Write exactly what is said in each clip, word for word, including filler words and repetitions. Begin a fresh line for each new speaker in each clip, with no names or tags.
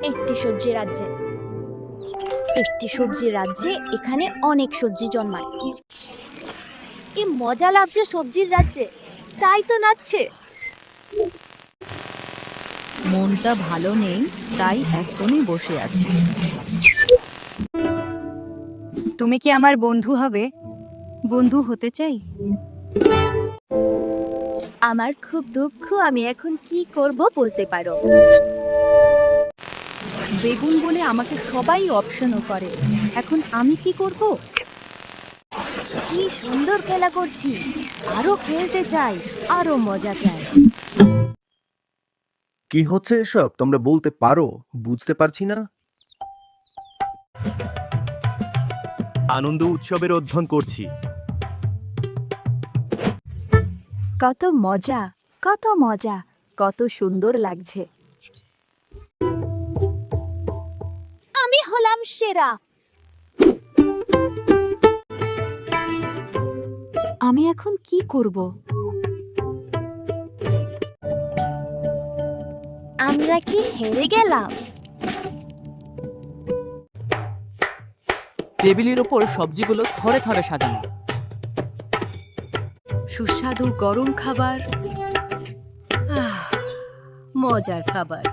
একটি সবজি রাজ্যে একটি সবজি রাজ্যে এখানে অনেক সবজি জন্মায়। কি মজা লাগছে সবজির রাজ্যে, তাই তো নাচছে।
মনটা ভালো নেই, তাই এক কোণে বসে আছি। তুমি কি আমার বন্ধু হবে? বন্ধু হতে চাই।
আমার খুব দুঃখ, আমি এখন কি করব বলতে পারো।
বেগুন বলে আমাকে সবাই অপশনও করে, এখন আমি কি করব?
কি সুন্দর খেলা করছি, আরো খেলতে চাই, আরো মজা চাই।
কি হচ্ছে এসব? তোমরা বলতে পারো? বুঝতে পারছি না। আনন্দ উৎসবের অধ্যয়ন করছি।
কত মজা, কত মজা, কত সুন্দর লাগছে। আমি হলাম সেরা। আমি এখন কি করব? আমরা কি হেরে গেলাম?
টেবিলের ওপর সবজিগুলো থরে থরে সাজানো।
সুস্বাদু গরম খাবার, আহ, মজার খাবার।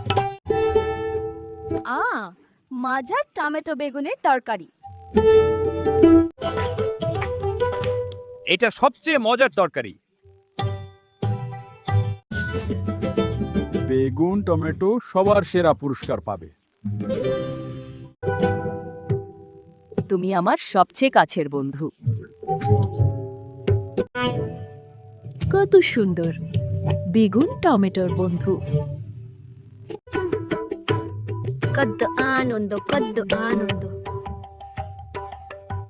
আ মজার টমেটো বেগুনের তরকারি।
এটা সবচেয়ে মজার তরকারি।
বেগুন টমেটো সবার সেরা পুরস্কার পাবে।
তুমি আমার সবচেয়ে কাছের বন্ধু। কত সুন্দর বেগুন টমেটোর বন্ধু।
কত আনন্দ, কত আনন্দ।